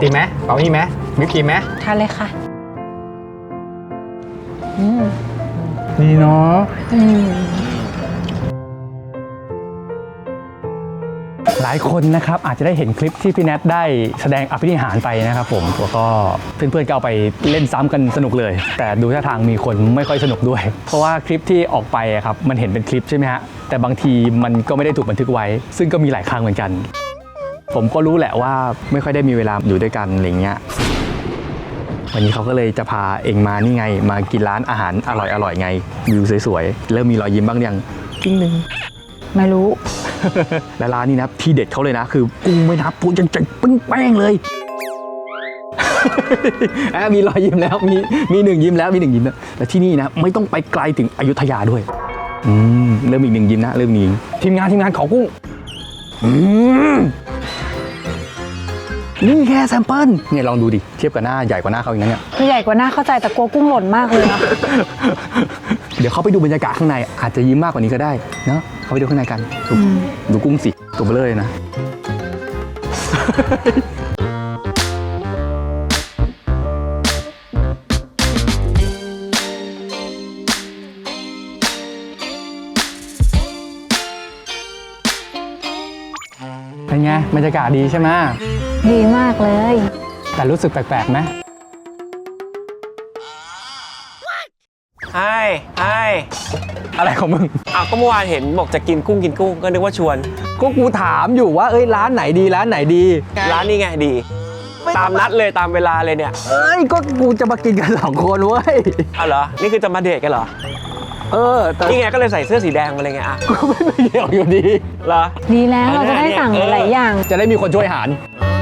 ติมไหมเปล่านี่ไหมวิปครีมไหมทานเลยค่ะดีเนาะหลายคนนะครับอาจจะได้เห็นคลิปที่พี่แนทได้แสดงอภินิหารไปนะครับผมแล้วก็เพื่อนๆก็เอาไปเล่นซ้ำกันสนุกเลยแต่ดูท่าทางมีคนไม่ค่อยสนุกด้วยเพราะว่าคลิปที่ออกไปครับมันเห็นเป็นคลิปใช่ไหมฮะแต่บางทีมันก็ไม่ได้ถูกบันทึกไว้ซึ่งก็มีหลายครั้งเหมือนกันผมก็รู้แหละว่าไม่ค่อยได้มีเวลาอยู่ด้วยกันอะไรเงี้ยวันนี้เขาก็เลยจะพาเองมานี่ไงมากินร้านอาหารอร่อยๆไงวิวสวยๆเริ่มมีรอยยิ้มบ้างยังกิ้งนึงไม่รู้และร้านนี้นะที่เด็ดเขาเลยนะคือกุ้งไม่นับปูจังๆปิ้งแป้งเลย มีรอยยิ้มแล้วมีหนึ่งยิ้มแล้วมีหนึ่งยิ้มแล้วและที่นี่นะไม่ต้องไปไกลถึงอยุธยาด้วยเริ่มอีกหนึ่งยิ้มนะเริ่มมีทีมงานขอกุ้งนี่แค่แซมเปิลเนี่ยลองดูดิเทียบกับหน้าใหญ่กว่าหน้าเขาอีกนะเนี่ยใหญ่กว่าหน้าเข้าใจแต่กลัวกุ้งหล่นมากเลยนะเดี๋ยวเขาไปดูบรรยากาศข้างในอาจจะยิ้มมากกว่านี้ก็ได้เนาะเขาไปดูข้างในกันดูกุ้งสิตัวเบลอเลยนะ เป็นไงบรรยากาศดีใช่ไหมดีมากเลยแต่รู้สึกแปลกๆไหมไอ้อะไรของมึงก็เมื่อวานเห็นบอกจะกินกุ้งก็นึกว่าชวนก็กูถามอยู่ว่าร้านไหนดีร้านนี้ไงดีตามนัดเลยตามเวลาเลยเนี่ยก็กูจะมากินกัน2 คนเว้ยเหรอนี่คือจะมาเดทกันเหรอแต่นี่ไงก็เลยใส่เสื้อสีแดงมาเลยไงก็ไม่เกี่ยวอยู่ดีเหรอดีแล้วเราจะได้สั่งหลายอย่างจะได้มีคนช่วยหาร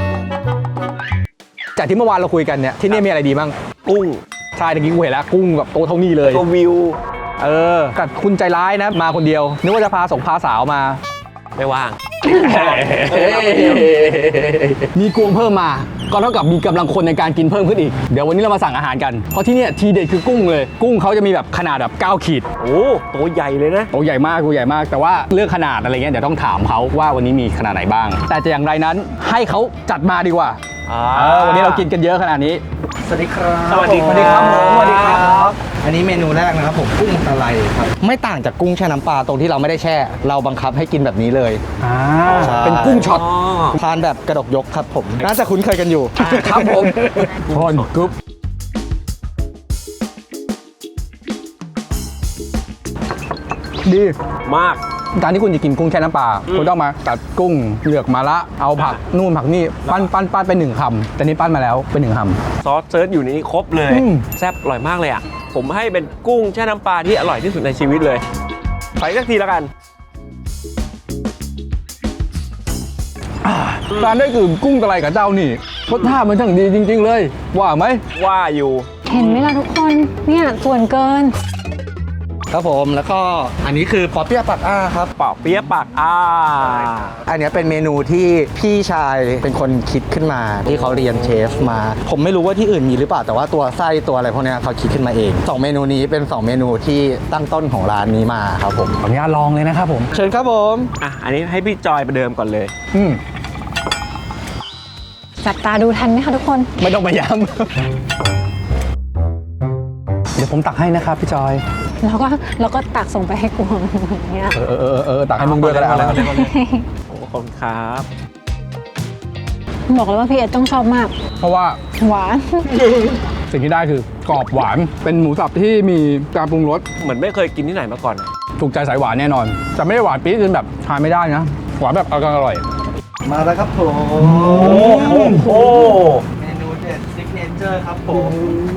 จากที่เมื่อวานเราคุยกันเนี่ยที่นี่มีอะไรดีบ้างกุ้งใช่ตะกี้กูเห็นแล้วกุ้งแบบโตเท่านี้เลยตัววิวแต่คุณใจร้ายนะมาคนเดียวนึกว่าจะพาพาสาวมาไม่ว่างมีกวงเพิ่มมาก็เท่ากับมีกำลังคนในการกินเพิ่มขึ้นอีกเดี๋ยววันนี้เรามาสั่งอาหารกันเพราะที่นี่ทีเด็ดคือกุ้งเลยกุ้งเขาจะมีแบบขนาดแบบ9 ขีดโอ้ตัวใหญ่เลยนะตัวใหญ่มากแต่ว่าเรื่องขนาดอะไรเงี้ยเดี๋ยวต้องถามเขาว่าวันนี้มีขนาดไหนบ้างแต่จะอย่างไรนั้นให้เขาจัดมาดีกว่าวันนี้เรากินกันเยอะขนาดนี้สวัสดีครับสวัสดีครับสวัสดีครับอันนี้เมนูแรกนะครับผมกุ้งตะไลครับไม่ต่างจากกุ้งแช่น้ำปลาตรงที่เราไม่ได้แช่เราบังคับให้กินแบบนี้เลยเป็นกุ้งช็อตทานแบบกระดกยกครับผมน่าจะคุ้นเคยกันอยู่ครับผมพอนกรุ๊ปดีมากการที่คุณจะกินกุ้งแช่น้ำปลาคุณต้องมาตัดกุ้งเลือกมาละเอาผักนู่นผักนี่ปั้นไป1 คำแต่นี่ปั้นมาแล้วเป็น1 คำซอสเซิร์ชอยู่นี้ครบเลยแซ่บอร่อยมากเลยอ่ะผมให้เป็นกุ้งแช่น้ำปลาที่อร่อยที่สุดในชีวิตเลยไปสักทีแล้วกันทานได้คือกุ้งตะไลกับเจ้านี่รสชาติมันช่างดีจริงๆเลยว่าไหมว่าอยู่เห็นไหมล่ะทุกคนเนี่ยส่วนเกินครับผมแล้วก็อันนี้คือปอเปี๊ยะปากอ้าครับปอเปี๊ยะปากอ้าอันนี้เป็นเมนูที่พี่ชายเป็นคนคิดขึ้นมาที่เขาเรียนเชฟมาผมไม่รู้ว่าที่อื่นมีหรือเปล่าแต่ว่าตัวไส้ตัวอะไรพวกนี้เขาคิดขึ้นมาเอง2 เมนูนี้เป็น2 เมนูที่ตั้งต้นของร้านนี้มาครับผมขออนุญาตลองเลยนะครับผมเชิญครับผมอันนี้ให้พี่จอยประเดิมก่อนเลยจับตาดูทันไหมคะทุกคนไม่ต้องมาย้ำเดี๋ยวผมตักให้นะครับพี่จอยแล้วก็ตักส่งไปให้กวงอย่างเงี้ยตักให้มึงด้วยก็ได้อะไรขอบคุณครับบอกเลยว่าพี่เอ็ดต้องชอบมากเพราะว่าหวานสิ่งที่ได้คือกรอบหวานเป็นหมูสับที่มีการปรุงรสเหมือนไม่เคยกินที่ไหนมาก่อนถูกใจสายหวานแน่นอนจะไม่ได้หวานปี๊ดจนแบบทานไม่ได้นะหวานแบบอร่อยมาแล้วครับผมเมนูเด็ดซิกเนเจอร์ครับผม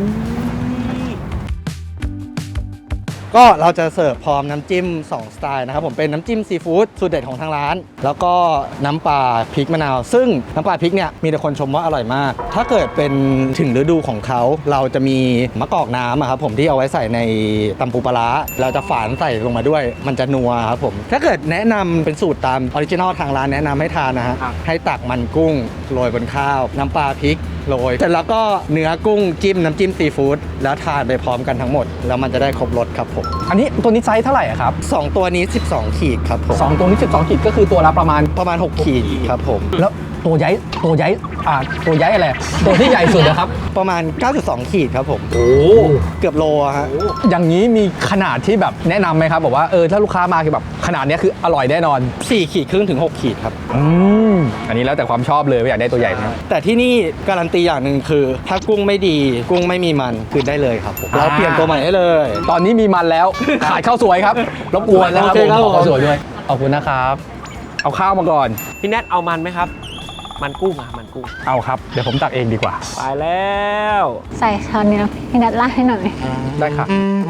ก็เราจะเสิร์ฟพร้อมน้ำจิ้ม2 สไตล์นะครับผมเป็นน้ำจิ้มซีฟู้ดสูตรเด็ดของทางร้านแล้วก็น้ำปลาพริกมะนาวซึ่งน้ำปลาพริกเนี่ยมีแต่คนชมว่าอร่อยมากถ้าเกิดเป็นถึงฤดูของเขาเราจะมีมะกอกน้ำครับผมที่เอาไว้ใส่ในตำปูปลาร้าเราจะฝานใส่ลงมาด้วยมันจะนัวครับผมถ้าเกิดแนะนำเป็นสูตรตามออริจินอลทางร้านแนะนำให้ทานนะฮะให้ตักมันกุ้งโรยบนข้าวน้ำปลาพริกโรยเสร็จแล้วก็เนื้อกุ้งจิ้มน้ำจิ้มซีฟู้ดแล้วทานไปพร้อมกันทั้งหมดแล้วมันจะได้ครบรสครับผมอันนี้ตัวนี้ไซส์เท่าไหร่อะครับ 2 ตัวนี้ 12 ขีดครับผม 2ตัวนี้12ขีดก็คือตัวละประมาณประมาณ 6 ขีดครับผมแล้วตัวใหญ่ตัวใหญ่อะไรตัวที่ใหญ่สุดนะครับประมาณ 9.2 ขีดครับผมโอ้เกือบโลอะฮะอย่างนี้มีขนาดที่แบบแนะนำไหมครับบอกว่าถ้าลูกค้ามาคือแบบขนาดเนี้ยคืออร่อยแน่นอน 4 ขีดครึ่งถึง 6 ขีดครับอันนี้แล้วแต่ความชอบเลยว่าอยากได้ตัวใหญ่ไหมแต่ที่นี่การันตีอย่างหนึ่งคือ ถ้ากุ้งไม่ดีกุ้งไม่มีมันคือได้เลยครับผมเราเปลี่ยนตัวใหม่ให้เลยตอนนี้มีมันแล้ว ขาดข้าวสวยครับรบกวนนะครับโอเคครับขอข้าวสวยด้วยขอบคุณนะครับ เอาข้าวมาก่อนพี่แนทเอามันไหมครับ มันกุ้งมันกุ้งเอาครับเดี๋ยวผมตักเองดีกว่าไปแล้วใส่ช้อนนี้นะพี่นัทราดให้หน่อยได้ค่ะ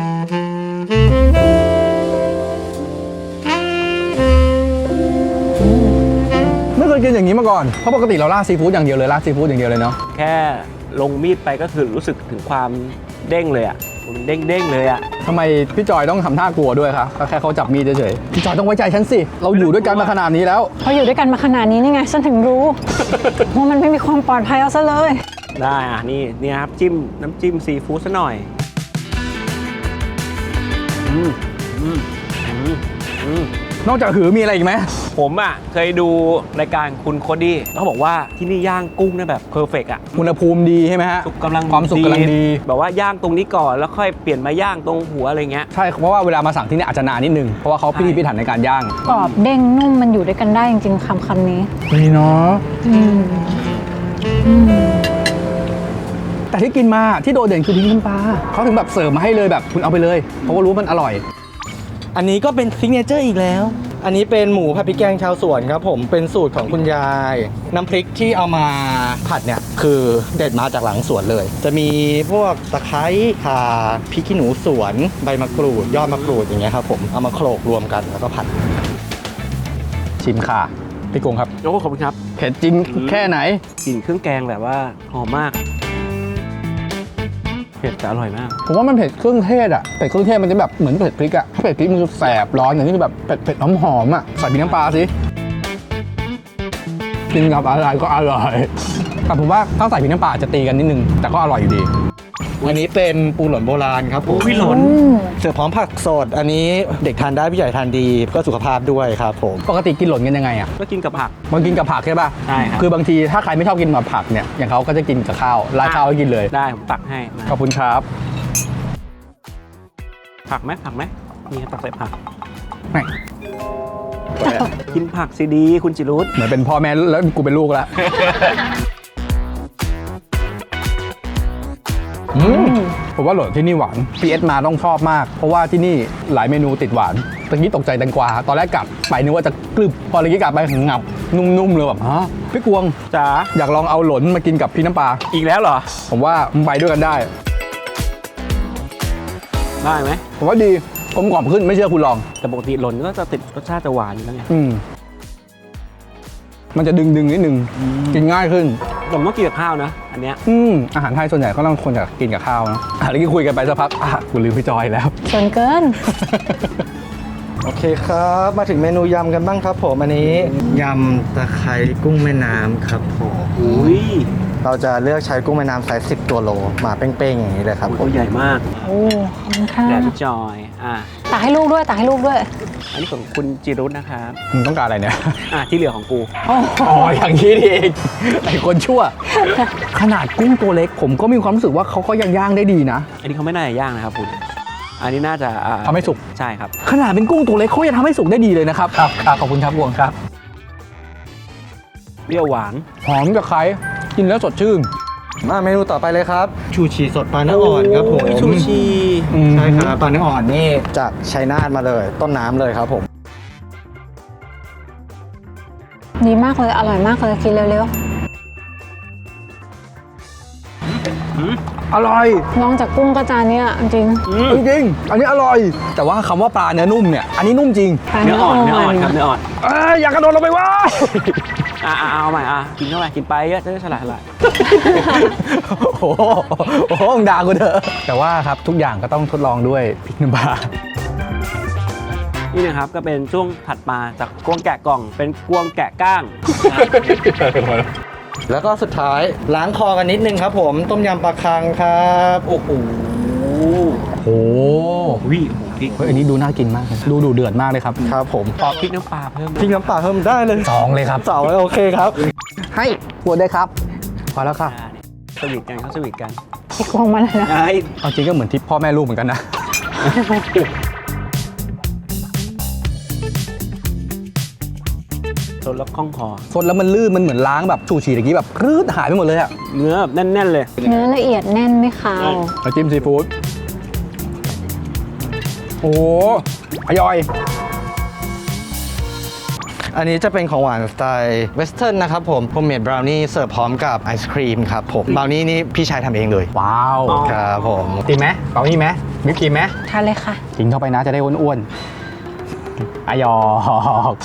ไม่เคยกินอย่างนี้มาก่อนเพราะปกติเราราดซีฟู้ดอย่างเดียวเลยราดซีฟู้ดอย่างเดียวเลยเนาะแค่ลงมีดไปก็คือรู้สึกถึงความเด้งเลยอ่ะมันเด้งเลยอ่ะทำไมพี่จอยต้องทำท่ากลัวด้วยคะก็แค่เขาจับมีดเฉยๆพี่จอยต้องไว้ใจฉันสิเราอยู่ด้วยกันมาขนาดนี้แล้วพออยู่ด้วยกันมาขนาดนี้นี่ไงฉันถึงรู้ ว่ามันไม่มีความปลอดภัยเอาซะเลยได้นี่ครับน้ำจิ้มซีฟู้ดซะหน่อยอืมนอกจากหือมีอะไรอีกไหมผมอ่ะเคยดูรายการคุณโคดี้เขาบอกว่าที่นี่ย่างกุ้งได้แบบเพอร์เฟกอ่ะอุณหภูมิดีใช่ไหมฮะสุกกำลังความสุกกำลังดีแบบว่าย่างตรงนี้ก่อนแล้วค่อยเปลี่ยนมาย่างตรงหัวอะไรเงี้ยใช่เพราะว่าเวลามาสั่งที่นี่อาจจะนานนิดนึงเพราะว่าเขาพิถีพิถันในการย่างกรอบเด้งนุ่มมันอยู่ด้วยกันได้จริงๆคำนี้นี่เนาะอืมอืมแต่ที่กินมาที่โดดเด่นคือพริกน้ำปลาเขาถึงแบบเสิร์ฟมาให้เลยแบบคุณเอาไปเลยเพราะว่ารู้ว่ามันอร่อยอันนี้ก็เป็นซิกเนเจอร์อีกแล้ว อันนี้เป็นหมูผัดพริกแกงชาวสวนครับผมเป็นสูตรของคุณยาย น้ำพริกที่เอามาผัดเนี่ยคือเด็ดมาจากหลังสวนเลย จะมีพวกตะไคร้ข่าพริกขี้หนูสวนใบมะกรูดยอดมะกรูดอย่างเงี้ยครับผมเอามาโขลกรวมกันแล้วก็ผัดชิมค่ะพี่กงครับโอ้ขอบคุณครับเผ็ดจริงแค่ไหนกลิ่นเครื่องแกงแบบว่าหอมมากเผ็ดแต่อร่อยมากผมว่ามันเผ็ดเครื่องเทศอ่ะเผ็ดเครื่องเทศมันจะแบบเหมือนเผ็ดพริกอ่ะถ้าเผ็ดพริกมันจะแสบร้อนอย่างนี้คือแบบเผ็ดหอมๆอ่ะใส่พริกน้ำปลาสิกินกับอะไรก็อร่อยแต่ผมว่าถ้าใส่พริกน้ำปลาอาจจะตีกันนิดนึงแต่ก็อร่อยอยู่ดีอันนี้เป็นปูหล่นโบราณครับผมอุ้ยหล่นอืมเสิร์ฟพร้อมผักสด อันนี้เด็กทานได้ผู้ใหญ่ทานดีเพื่อสุขภาพด้วยครับผมปกติกินหล่นกันยังไงอ่ะก็กินกับผักมันกินกับผักใช่ป่ะใช่ครับคือบางทีถ้าใครไม่ชอบกินกับผักเนี่ยอย่างเขาก็จะกินกับข้าวราดข้าวให้กินเลยได้ผมตักให้มาขอบคุณครับผักไหมนี่ตักใส่ผักไม่กินผักสิดีคุณจิรุธเหมือนเป็นพ่อแม่แล้วกูเป็นลูกแล้วผมว่าโหลดที่นี่หวาน PS มาต้องชอบมาก เพราะว่าที่นี่หลายเมนูติดหวานตะกี้ตกใจแตงกวาตอนแรกกลับไปนึกว่าจะกรึบพอตะกี้กลับไปงับนุ่มๆเลยแบบฮะพี่กวงจ๋าอยากลองเอาหลนมากินกับพี่น้ำปลาอีกแล้วเหรอผมว่ามันไปด้วยกันได้ได้ไหมผมว่าดีกลมกล่อมขึ้นไม่เชื่อคุณลองแต่ปกติหล่นก็จะติดรสชาติจะหวานอยู่แล้วไงมันจะดึงนิดนึงกินง่ายขึ้นผมต้องกินกับข้าวนะ อันเนี้ยอาหารไทยส่วนใหญ่ก็ต้องคนอยากกินกับข้าวนะแล้วก็คุยกันไปสักพักกูลืมพี่จอยแล้วส่วนเกินโอเคครับ มาถึงเมนูยำกันบ้างครับผมอันนี้ยำตะไคร้กุ้งแม่น้ำครับผมอุ้ยเราจะเลือกใช้กุ้งแม่น้ำไซส์10 ตัวโลมาเป้งๆอย่างนี้เลยครับผตัวมใหญ่มากโอ้ขอบคุณค่ะแดดพี่จอยตักให้ลูกด้วยตักให้ลูกด้วยอันนี้ของคุณจิรุธนะครับมึงต้องการอะไรเนี่ยที่เหลือของกูอ๋ออย่างนี้นี่เองไอ้คนชั่ว ขนาดกุ้งตัวเล็กผมก็มีความรู้สึกว่าเขาก็ยังย่างได้ดีนะอันนี้เขาไม่น่าจะย่างนะครับคุณ อันนี้น่าจะทำให้สุกใช่ครับขนาดเป็นกุ้งตัวเล็กเขายังทำให้สุกได้ดีเลยนะครับขอบคุณครับวงครับเปรี้ยวหวานหอมกับไข่กินแล้วสดชื่นมาเมนูต่อไปเลยครับ ชูชีสดปลาเนื้ออ่อนครับผมโอ้ยชูชีใช่ครับปลาเนื้ออ่อนนี่จากชัยนาทมาเลยต้นน้ำเลยครับผมดีมากเลยอร่อยมากเลยกินเร็วอร่อยๆน้องจากกุ้งกระจานเนี่ยจริงจริงๆอันนี้อร่อย แต่ว่าคำว่าปลาเนื้อนุ่มเนี่ยอันนี้นุ่มจริงปลาเนื้เนื้อออ่อ่ออน นเนื้ออ่อนครับเนื้ออ่อนอยากกระโดดลงไปว่าเอาใหม่กินเข้าไปกินไปเยอะจะได้ฉลาดโอ้โหด่ากูเถอะแต่ว่าครับทุกอย่างก็ต้องทดลองด้วยพริกน้ำปลานี่นะครับก็เป็นช่วงถัดมาจากกวงแกะกล่องเป็นกวงแกะก้างแล้วก็สุดท้ายล้างคอกันนิดนึงครับผมต้มยำปลาคังครับโอ้โหโอ้วิโอ้โหพริกเฮ้ยอันนี้ดูน่ากินมากเลยดูเดือดมากเลยครับครับผมขอพริกน้ำปลาเพิ่มพริกน้ำปลาเพิ่มได้เลย 2เลยครับสองเลยโอเคครับให้ปวดได้ครับพอแล้วค่ะสวีทกันเขาสวีทกันไอ้กวงมาเลยนะไอ้เอาจริงก็เหมือนทิปพ่อแม่ลูกเหมือนกันนะสดแล้วคล่องคอสดแล้วมันลื่นมันเหมือนล้างแบบชูชีตะกี้แบบรืดหายไปหมดเลยอะเนื้อแบบแน่นๆเลยเนื้อละเอียดแน่นไม่คาวน้ำจิ้มซีฟู้ดโอ้โหอร่อยอันนี้จะเป็นของหวานสไตล์เวสเทิร์นนะครับผมโฮมเมดบราวนี่เสิร์ฟพร้อมกับไอศครีมครับผมบราวนี่นี่พี่ชายทำเองเลยว้าวอ๋อครับผมตีไหมเปล่านี่ไหมมิกกินไหมทานเลยค่ะกินเข้าไปนะจะได้อ้วนๆอายอก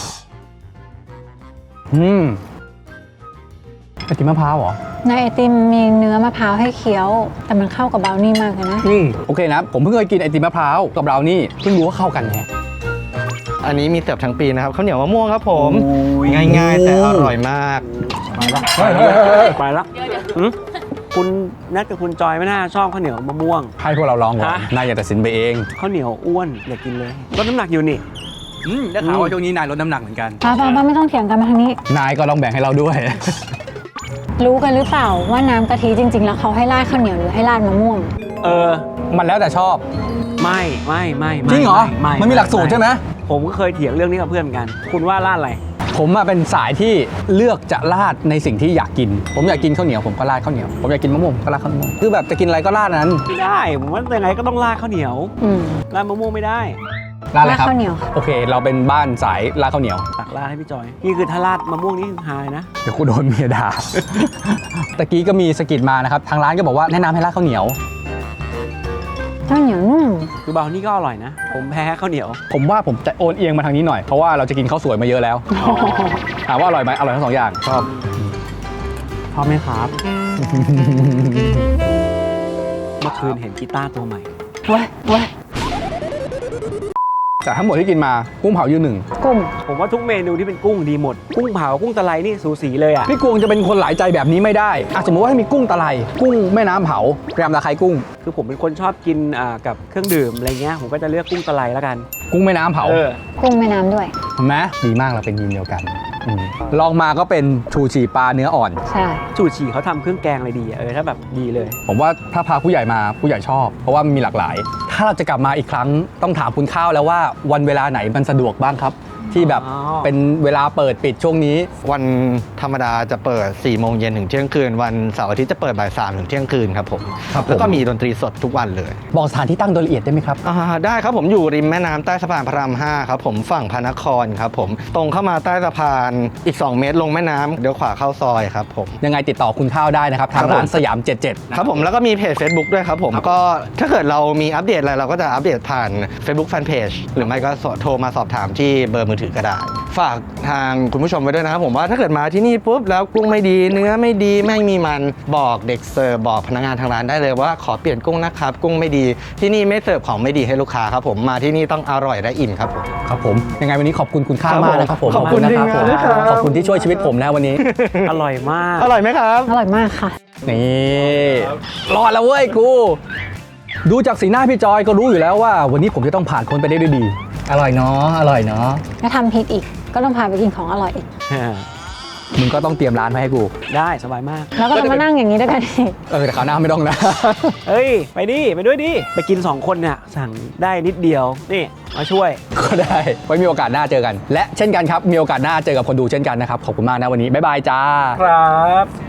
ไอติมมะพร้าวเหรอในไอติมมีเนื้อมะพร้าวให้เคี้ยว แต่มันเข้ากับบราวนี่มากเลยนะโอเคนะ ผมเพิ่งเคยกินไอติมมะพร้าวกับบราวนี่เพิ่งรู้ว่าเข้ากันไงอันนี้มีเสิร์ฟทั้งปีนะครับข้าวเหนียวมะม่วงครับผมโอ้ยง่ายๆ แต่อร่อยมากไปแล้วหืมคุณนัดกับคุณจอยไม่น่าชอบข้าวเหนียวมะม่วงให้พวกเราลองก่อนฮะนายอย่าตัดสินไปเองข้าวเหนียวอ้วนอย่ากินเลยลดน้ำหนักอยู่นี่ได้ข่าวว่าช่วงนี้นายลดน้ำหนักเหมือนกันป้าไม่ต้องเถียงกันมาทางนี้นายก็ลองแบ่งให้เราด้วยรู้กันหรือเปล่าว่าน้ำกะทิจริง ๆ แล้วเขาให้ราดข้าวเหนียวหรือให้ราดมะม่วงเออมันแล้วแต่ชอบไม่จริงเหรอไม่มันมีหลักสูตรใช่ไหมผมก็เคยเถียงเรื่องนี้กับเพื่อนเหมือนกัน คุณว่าราดอะไรผมอะเป็นสายที่เลือกจะราดในสิ่งที่อยากกิน ผมอยากกินข้าวเหนียวผมก็ราดข้าวเหนียว ผมอยากกินมะม่วงผมก็ราดข้าวเหนียวคือแบบจะกินอะไรก็ราดนั้นไม่ได้ ผมว่ายังไงก็ต้องราดข้าวเหนียวอืมราดมะม่วงไม่ได้ราดอะไรครับข้าวเหนียวค่ะโอเค เราเป็นบ้านสายราดข้าวเหนียวตักราดให้พี่จอย นี่คือถ้าราดมะม่วงนี่คือหายนะเดี๋ยวกูโดนเมียด่า ตะกี้ก็มีสะกิดมานะครับ ทางร้านก็บอกว่าแนะนำให้ราดข้าวเหนียวข้าวเหนียวนุ่มคือเบานี่ก็อร่อยนะ ผมแพ้ข้าวเหนียวผมว่าผมจะโอนเอียงมาทางนี้หน่อย เพราะว่าเราจะกินข้าวสวยมาเยอะแล้ว ถามว่าอร่อยไหมอร่อยทั้งสองอย่างชอบชอบไหมครับ เมื่อคืนเห็นกีตาร์ตัวใหม่เว้ยเว้ยแต่ทั้งหมดที่กินมากุ้งเผายืนหนึ่งกุ้งผมว่าทุกเมนูที่เป็นกุ้งดีหมด กุ้งเผา กุ้งตะไลนี่สูสีเลยอ่ะพี่กวงจะเป็นคนหลายใจแบบนี้ไม่ได้อ่ะสมมติว่าให้มีกุ้งตะไลกุ้งแม่น้ำเผาแรมตะไคร้กุ้งคือผมเป็นคนชอบกินกับเครื่องดื่มอะไรเงี้ย ผมก็จะเลือกกุ้งตะไลแล้วกันกุ้งแม่น้ำเผากุ้งแม่น้ำด้วยเห็นไหมดีมากเราเป็นทีมเดียวกันลองมาก็เป็นชูชีปลาเนื้ออ่อนใช่จูชีเขาทำเครื่องแกงอะไรดีอะถ้าแบบดีเลยผมว่าถ้าพาผู้ใหญ่มาผู้ใหญ่ชอบ เพราะว่ามันมีหลากหลาย ถ้าเราจะกลับมาอีกครั้งต้องถามคุณข้าวแล้วว่าวันเวลาไหนมันสะดวกบ้างครับ ที่แบบอ๋อเป็นเวลาเปิดปิดช่วงนี้วันธรรมดาจะเปิด 4 โมงเย็นถึงเที่ยงคืน วันเสาร์อาทิตย์จะเปิดบ่าย 3 ถึงเที่ยงคืนครับผมครับผมแล้วก็มีดนตรีสดทุกวันเลยบอกสถานที่ตั้งโดยละเอียดได้ไหมครับได้ครับผมอยู่ริมแม่น้ำใต้สะพานพระราม 5 ครับผมฝั่งพระนครครับผมตรงเข้ามาใต้สะพานอีก 2 เมตรลงแม่น้ำเดี๋ยวขวาเข้าซอยครับผมยังไงติดต่อคุณข้าวได้นะครับ ทางครับผมร้านสยาม 77 ครับผมแล้วก็มีเพจ Facebook ด้วยครับผมก็ถ้าเกิดเรามีอัปเดตอะไรเราก็จะอัปเดตผ่าน Facebook Fanpage หรือไม่ก็โทรมาสอบถามที่เบอร์มือถือก็ได้ ฝากทางคุณผู้ชมไว้ด้วยนะครับผมว่าถ้าเกิดมาที่นี่ปุ๊บแล้วกุ้งไม่ดีเนื้อไม่ดีไม่มีมันบอกเด็กเสิร์ฟบอกพนักงานทางร้านได้เลยว่าขอเปลี่ยนกุ้งนะครับกุ้งไม่ดีที่นี่ไม่เสิร์ฟของไม่ดีให้ลูกค้าครับผมมาที่นี่ต้องอร่อยและอิ่มครับผมครับผมยังไงวันนี้ขอบคุณคุณข้าวครับมากนะครับผมขอบคุณนะครับผมทีมงานด้วยครับขอบคุณที่ช่วยชีวิตผมนะวันนี้อร่อยมากอร่อยไหมครับอร่อยมากค่ะนี่รอดแล้วเว้ยกู ดูจากสีหน้าพี่จอยก็รู้อยู่แล้วว่า วันนี้ผมจะต้องผ่านพ้นไปได้ด้วยดี อร่อยเนาะอร่อยเนาะถ้าทำผิดอีก ก็ต้องพาไปกินของอร่อยอีกมึงก็ต้องเตรียมร้านมาให้กูได้สบายมากแล้วก็จะมานั่งอย่างนี้ด้วยกันอีกแต่คราวหน้าไม่ต้องนะเฮ้ย ไปดิ ไปด้วยดิ ไปกิน 2 คนเนี่ยสั่งได้นิดเดียว นี่ มาช่วยก็ได้ ไว้มีโอกาสหน้าเจอกัน และเช่นกันครับ มีโอกาสหน้าเจอกับคนดูเช่นกันนะครับ ขอบคุณมากนะวันนี้ บ๊ายบายจ้าครับ